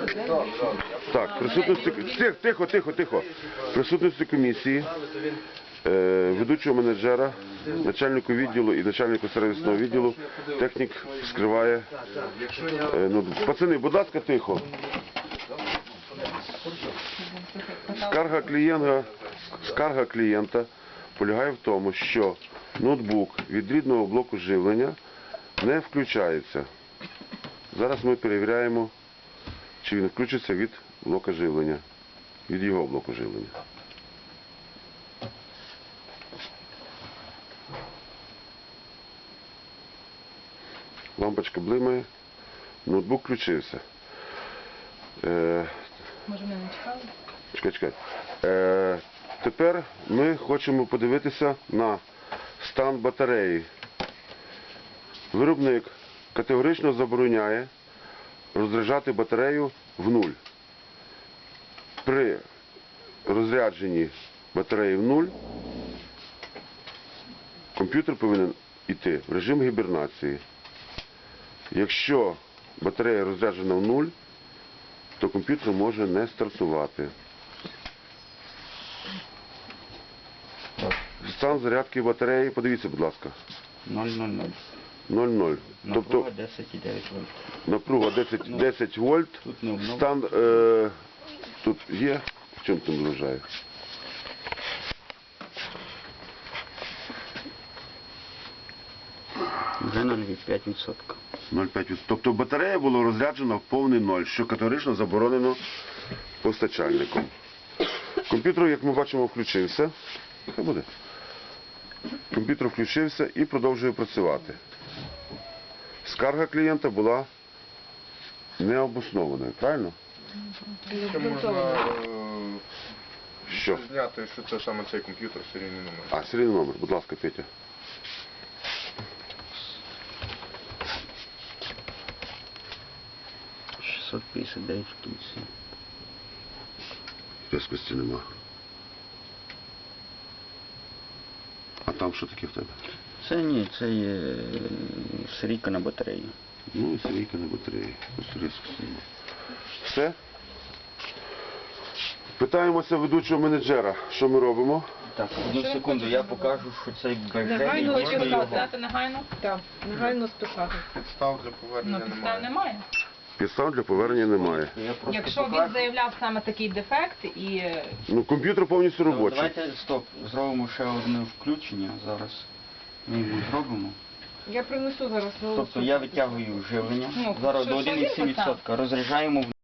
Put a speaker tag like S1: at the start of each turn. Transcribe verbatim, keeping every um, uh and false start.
S1: Так, присутності... Тихо, тихо, тихо, тихо. Присутності комісії, е, ведучого менеджера, начальнику відділу і начальнику сервісного відділу, технік вскриває. Е, ну, пацани, будь ласка, тихо. Скарга клієнта, скарга клієнта полягає в тому, що ноутбук від рідного блоку живлення не включається. Зараз ми перевіряємо, чи він включиться від блока живлення, від його блоку живлення. Лампочка блимає, ноутбук включився. Е,
S2: Може, ми не чекали?
S1: Чекай, чекай. Е, тепер ми хочемо подивитися на стан батареї. Виробник категорично забороняє розряджати батарею в нуль. При розрядженні батареї в нуль комп'ютер повинен йти в режим гібернації. Якщо батарея розряджена в нуль, то комп'ютер може не стартувати. Стан зарядки батареї, подивіться, будь ласка.
S3: нуль нуль нуль.
S1: нуль нуль. Тобто
S3: Напруга десять і дев'ять вольт.
S1: напруга десять, десять вольт.
S3: Тут не обновлено.
S1: Стан е, тут є. В чому там вражає?
S3: Вже нуль цілих п'ять відсотків.
S1: нуль цілих п'ять відсотків. Тобто батарея була розряджена в повний ноль, що категорично заборонено постачальником. Комп'ютер, як ми бачимо, включився. Хай буде. Комп'ютер включився і продовжує працювати. Скарга клієнта була необоснованою, правильно?
S4: Ще можна
S1: Що?
S4: е, зняти, що це саме цей комп'ютер, серійний номер.
S1: А, серійний номер, будь ласка, Петя.
S3: шістсот п'ятдесят дев'ять в кінці.
S1: Різкості нема. А там що таке в тебе?
S3: Це ні, це є серійка на батареї.
S1: Ну і серійка на батареї. Ось різкості нема. Все? Питаємося ведучого менеджера. Що ми робимо?
S3: Так, одну секунду, я покажу, що цей
S2: Негайно
S3: бажання
S2: хоче
S3: його.
S2: сказати негайно? Так, негайно списати.
S4: Підстав для
S2: Ну,
S4: повернення
S2: підстав
S4: немає.
S2: немає.
S1: Підстав для повернення немає.
S3: Я просто
S2: Якщо він
S3: покажу.
S2: заявляв саме такий дефект і...
S1: Ну, комп'ютер повністю
S3: Ну,
S1: робочий.
S3: давайте, стоп, зробимо ще одне включення зараз. Ми його зробимо.
S2: Я принесу зараз.
S3: Тобто я витягую живлення.
S2: Ну,
S3: Зараз
S2: що-
S3: до
S2: що
S3: один цілих сім
S2: він поставив?
S3: відсотка. Розряджаємо в